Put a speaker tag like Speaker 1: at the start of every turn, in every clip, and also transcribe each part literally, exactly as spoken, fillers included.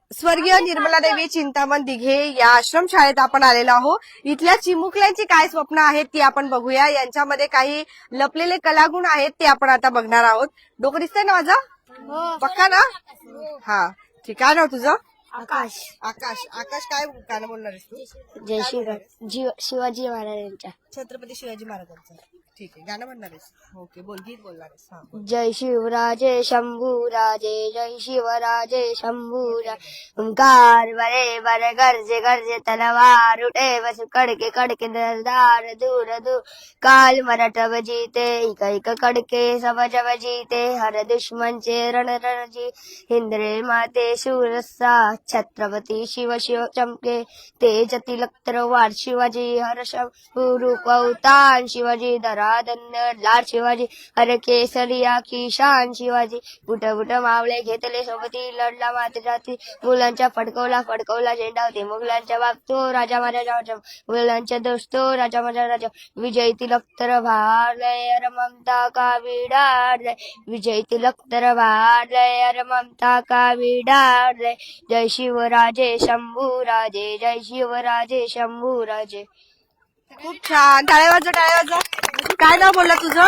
Speaker 1: स्वर्गीय निर्मला देवी चिंतामण दिघे या आश्रमशाळेत आपण आलेलो आहोत. इथल्या चिमुकल्यांची काय स्वप्न आहेत ती आपण बघूया. यांच्यामध्ये काही लपलेले कलागुण आहेत ते आपण आता बघणार आहोत. डोकं दिसतंय ना माझं? पक्का ना? हा ठीक आहे. नाव तुझं?
Speaker 2: आकाश.
Speaker 1: आकाश. आकाश काय गाणं बोलणार आहेस तू?
Speaker 2: जय शिव शिवाजी महाराजांच्या.
Speaker 1: छत्रपती शिवाजी महाराजांचं. ठीक आहे. गाणं म्हणणार आहेस? ओके बोल. गीत बोलणार आहेस? हा बोल.
Speaker 2: जय शिवराजे शंभूराजे जय शिवराजे शंभूराजे ओंकार बरे बरे गरजे गरजे तलवार उठे बस कड़के कड़के दरदार दूर दूर काल मराठा जीते इक इक कड़के सब जब जीते हर दुश्मन चे रण रण जी हिंद्रे माते शूरसा छत्रपती शिव शिव चमके तेज तिलक तरवार शिवाजी हर रूप अवतार शिवाजी धरा धन्य लाड शिवाजी हर केसरिया की शान शिवाजी बुट बुट मावळे घेतले सोबती लढला माते जाती मुलांच्या फडकवला फडकवला झेंडा होते मुघलांच्या बाबतो राजा महाराजा मुलांच्या दोस्तो राजा महाराजा राजा विजय तिलक तर भारलय अर ममता का विडारलय विजय तिलक तर भारलय अर ममता का विडारलय जय शिवराजे शंभूराजे जय शिवराजे शंभूराजे.
Speaker 1: खूप छान. टाळ्या वाजवा टाळ्या वाजवा. काय नाव बोलला तुझं?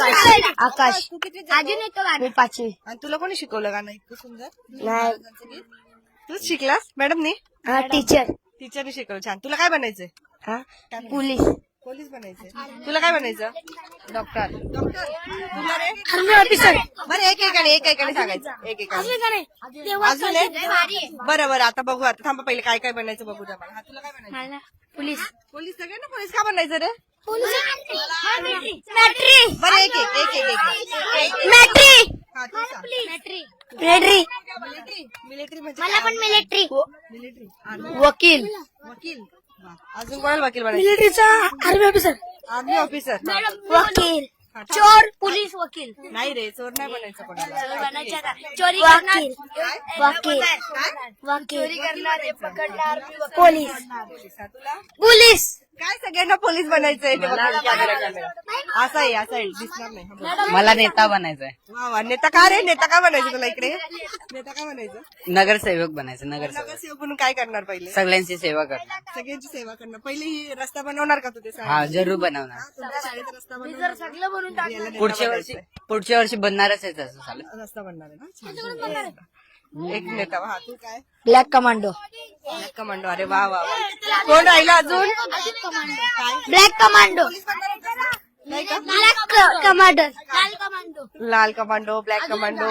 Speaker 2: आकाश.
Speaker 1: तू किती
Speaker 2: मी पाचवी.
Speaker 1: आणि तुला कोणी शिकवलं गाणं इतकं सुंदर?
Speaker 2: नाही.
Speaker 1: तूच शिकलास मॅडमनी?
Speaker 2: हा टीचर.
Speaker 1: टीचरने शिकवलं. छान. तुला काय बनायचंय?
Speaker 2: हा पोलीस.
Speaker 1: पोलीस बनायचंय. तुला काय बनायचं? डॉक्टर. डॉक्टर. तुला रे?
Speaker 2: Army officer.
Speaker 1: बरं एक एकाने एक एकाने सांगायचं. एक एकाने. अजून एक? बरं बरं आता बघू. आता थांबा पहिले काय काय बनायचं बघू द्या मला. हा तुला काय बनायचं?
Speaker 2: पोलीस.
Speaker 1: पोलीस. सगळ्यांना पोलीस का बनायचं रे?
Speaker 2: मॅट्री.
Speaker 1: बरं एक एक एक एक एक.
Speaker 2: मॅट्री.
Speaker 1: हा तू सांग.
Speaker 2: मिलिटरी.
Speaker 1: मिलिटरी. मिलिटरी म्हणजे
Speaker 2: मला पण मिलिटरी.
Speaker 1: मिलिटरी.
Speaker 2: वकील.
Speaker 1: वकील. अजून कोणाला वकील बनायचं?
Speaker 2: मिलिटरीचा आर्मी ऑफिसर.
Speaker 1: Army officer.
Speaker 2: वकील. चोर पोलीस वकील.
Speaker 1: नाही रे चोर नाही बनायचं कोणाला.
Speaker 2: चोरी वकील. वकील. वकील. चोरी करणारे पकडणार पोलीस.
Speaker 1: तुला
Speaker 2: पोलीस.
Speaker 1: काय सगळ्यांना पोलीस बनायचंय ते बघा. कॅमेरा कॅमेरा असा आहे असा आहे दिसणार नाही. हा, बोल.
Speaker 3: मला नेता बनायचंय.
Speaker 1: वा वा. नेता का रे? नेता का बनायचं तुला इकडे? नेता का बनायचं?
Speaker 3: नगरसेवक बनायचं. नगरसेवक
Speaker 1: नगरसेवक म्हणून काय करणार पहिले?
Speaker 3: सगळ्यांची सेवा करणार.
Speaker 1: सगळ्यांची सेवा करणार. पहिले ही रस्ता बनवणार का तू ते
Speaker 3: हा जरूर बनवणार.
Speaker 1: तुमच्या शाळेत रस्ता बनवणार? याला नेता
Speaker 3: पुढच्या वर्षी
Speaker 1: बनायचंय.
Speaker 3: पुढच्या वर्षी बनणारच आहे तसं झालं.
Speaker 1: रस्ता बनणार आहे ना? छान. एक नेता. हा तू काय?
Speaker 2: Black commando.
Speaker 1: Black commando. अरे वा वा वा. कोण राहिला अजून?
Speaker 2: Black commando.
Speaker 1: नाही का?
Speaker 2: Black commando. लाल कमांडो.
Speaker 1: लाल कमांडो. Black commando.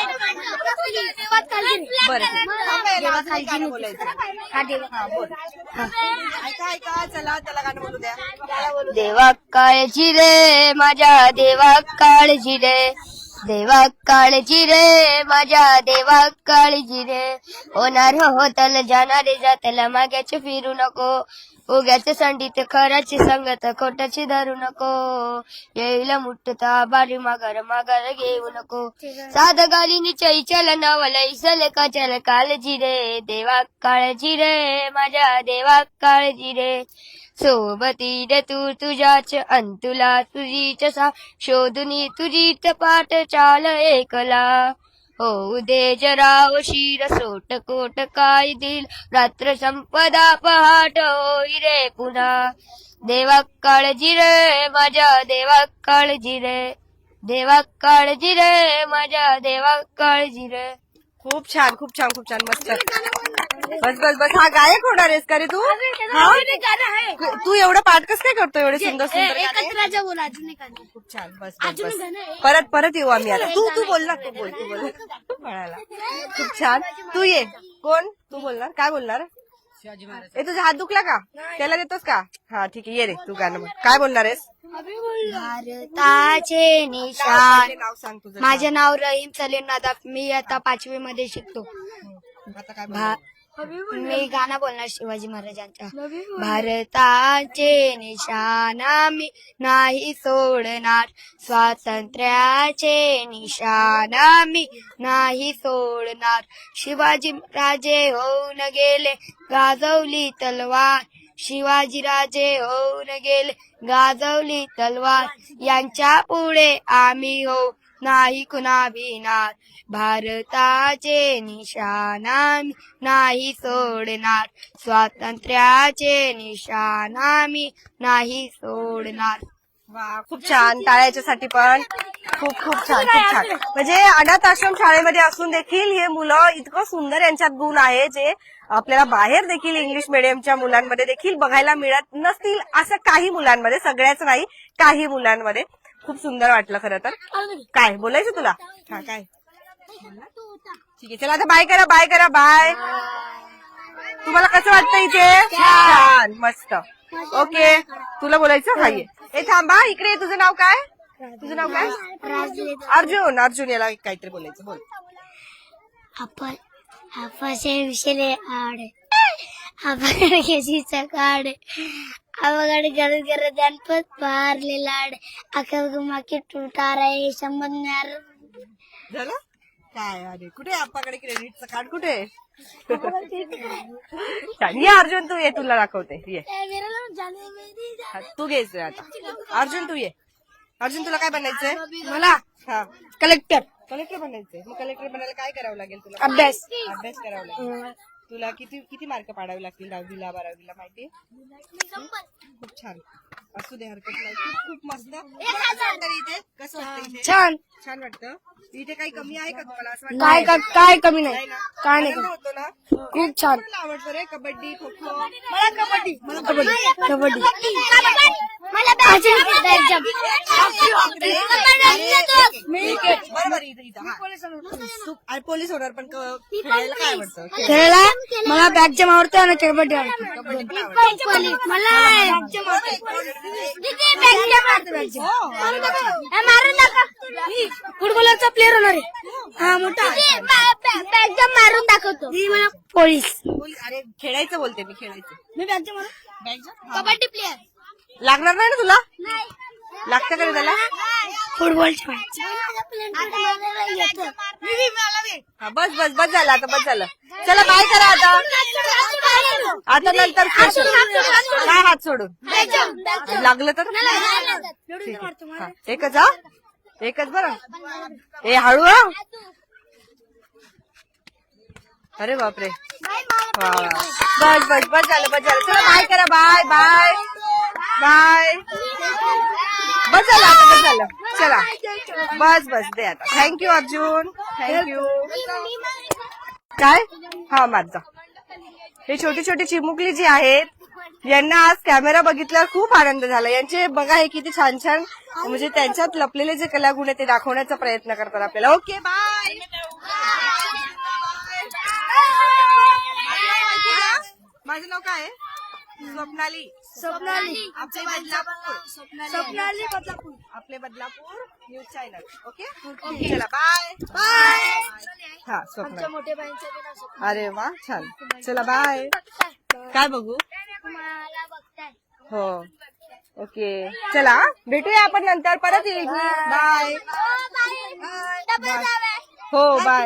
Speaker 1: बरं गाणं बोलायचं. हा बोल. ऐका ऐका चला त्याला गाणं बोलू द्या.
Speaker 2: देवा काळजी रे माझ्या देवा काळजी रे देवा काळजी रे माझ्या देवा काळजी रे होणार होतल जाणारे जातला माग्याचे फिरू नको उग्याचे संडीत खराची संगत खोटाची धरू नको येईल मुठता बारी माघार माघार घेऊ नको साध गाली चई चल नवल इसल कचल काळजी रे देवा काळजी रे माझ्या देवा काळजी रे सोबती रे तू तुझ्याच अंतुला तुझीच सा शोधुनी तुझीच पाठ चाल एकला हो दे जरा शिर सोट कोट काय दिल रात्र संपदा पहाट होई रे पुन्हा देवा काळजी रे माझ्या देवा काळजी रे देवा काळजी रे माझ्या देवा काळजी रे.
Speaker 1: खूप छान खूप छान खूप छान मस्त. बस बस बस. हा गायक होणार आहेस का रे तू? हा? तू एवढं पाठ कसं काय करतो एवढे सुंदर सुंदर गाणे? खूप छान. बस बस बस. परत परत येऊ आम्ही आता. तू तू बोल ना. तू बोल तू बोल म्हणाला. खूप छान. तू ये. कोण? तू बोलणार? काय बोलणार?
Speaker 3: शिवाजी महाराज.
Speaker 1: ए तुझा हात दुखला का? त्याला देतोस का? हा ठीक आहे ये रे तू गाणं बोल. काय बोलणार आहेस?
Speaker 2: भारताचे निशान.
Speaker 1: नाव सांग तुझं.
Speaker 2: माझे नाव रहीम सलीम नादाफ. मी आता पाचवी मध्ये शिकतो.
Speaker 1: आता काय बोलणार?
Speaker 2: मी गाणं बोलणार शिवाजी महाराजांच्या. भारताचे निशाण आम्ही नाही सोडणार स्वातंत्र्याचे निशाण आम्ही नाही सोडणार शिवाजी राजे होऊन गेले गाजवली तलवार शिवाजी राजे होऊन गेले गाजवली तलवार यांच्या पुढे आम्ही हो नाही कुणा भिणार. भारताचे निशाण आम्ही नाही सोडणार. स्वातंत्र्याचे निशाण आम्ही नाही सोडणार.
Speaker 1: वा, खूप छान. टाळ्या याच्यासाठी पण. खूप खूप छान, खूप छान. म्हणजे अनाथ आश्रम शाळेमध्ये असून देखील हे मुलं इतकं सुंदर यांच्यात गुण आहे जे आपल्याला बाहेर देखील इंग्लिश मिडियमच्या मुलांमध्ये देखील बघायला मिळत नसतील. असं काही मुलांमध्ये, सगळ्याच नाही, काही मुलांमध्ये. खूप सुंदर वाटलं खरं तर. काय बोलायचं तुला? हा, काय? ठीक आहे, चला आता बाय करा, बाय करा, बाय. तुम्हाला कसं वाटतं इथे? छान, मस्त. ओके, तुला बोलायचं? हा, ये. ए थांबा, इकडे ये. तुझं नाव काय? तुझं नाव काय? अर्जुन. अर्जुन, याला काहीतरी बोलायचं, बोल.
Speaker 2: आपण आपसे विषय आड आपण केसीचा काढ अवघड गरज गरज गणपत पारले लाड अकल गुमाकी तुटा रे संबंध
Speaker 1: झालं काय? अरे कुठे आपाकडे क्रेडिटचं कार्ड कुठे आहे? छान. ये अर्जुन, तू ये, तुला दाखवते. ये, हा, तू घ्यायचंय आता. अर्जुन तू ये. अर्जुन, तुला काय बनायचंय?
Speaker 2: मला
Speaker 1: हा,
Speaker 2: कलेक्टर
Speaker 1: कलेक्टर बनायचंय. मग कलेक्टर बनायला काय करावं लागेल तुला?
Speaker 2: अभ्यास
Speaker 1: अभ्यास करावा लागेल. तुला किती किती मार्क पाडावे लागतील दहावीला बारावीला माहिती? खूप छान. असू दे, हरकत नाही. खूप खूप मस्त. कसं वाटतं इथे? कसं वाटतं इथे?
Speaker 2: छान.
Speaker 1: छान वाटतं. इथे काही कमी आहे का तुम्हाला असं
Speaker 2: काय
Speaker 1: वाटतं?
Speaker 2: का- काय कमी नाही
Speaker 1: नाही ना?
Speaker 2: काय नाही
Speaker 1: आनंद होतो ना?
Speaker 2: खूप छान.
Speaker 1: कोणाला आवडतं रे? कबड्डी, खो खो? मला कबड्डी. मला
Speaker 2: कबड्डी कबड्डी
Speaker 1: मला बरोबर इथं इथं. हा. तू अरे, पोलीस होणार पण क- खेळायला काय आवडतं?
Speaker 2: खेळायला मला बॅग जमा आवडते आणि कबड्डी आवडते.
Speaker 1: कबड्डी पण आवडतं.
Speaker 2: मला फुटबॉलचा प्लेअर होणार आहे. हा मोठा बॅग जम मारून दाखवतो. मला पोलीस
Speaker 1: पोलीस. अरे खेळायचं बोलते मी, खेळायचं.
Speaker 2: मी बॅग जम मारून
Speaker 1: बॅग
Speaker 2: कबड्डी प्लेअर
Speaker 1: लागणार नाही ना तुला? लागतं का रे त्याला?
Speaker 2: फुटबॉलच्या
Speaker 1: हा, बस बस बस झालं आता, बस झालं. चला बाय करा आता. आता नंतर स्पेशल. काय हात सोडून लागलं तर ठीक आहे. हा, एकच हा एकच बरं. ए हळू हा. अरे बापरे. वा वा. बस बस बस झालं, बस झालं. चला बाय करा. Bye bye bye. बस झालं आता, बस झालं. चला बस बस दे आता. Thank you Arjun, thank you. काय? हा, माझा. हे छोटी छोटी चिमुकली जी आहेत यांना आज कॅमेरा बघितल्यावर खूप आनंद झाला. यांचे बघा हे किती छान छान म्हणजे त्यांच्यात लपलेले जे कलागुण आहे ते दाखवण्याचा प्रयत्न करतात आपल्याला. Okay bye. माझं नाव काय आहे? स्वप्नाली.
Speaker 2: स्वप्नाली
Speaker 1: आपले बदलापूर.
Speaker 2: स्वप्नाली बदलापूर.
Speaker 1: आपले बदलापूर न्यूज चॅनल. ओके, चला बाय बाय. हा, स्वप्नाली.
Speaker 2: मोठे बाईंचे
Speaker 1: अरे वा, छान. चला बाय. काय बघू? हो, ओके. चला भेटूया आपण नंतर. परत येईल. बाय. हो बाय.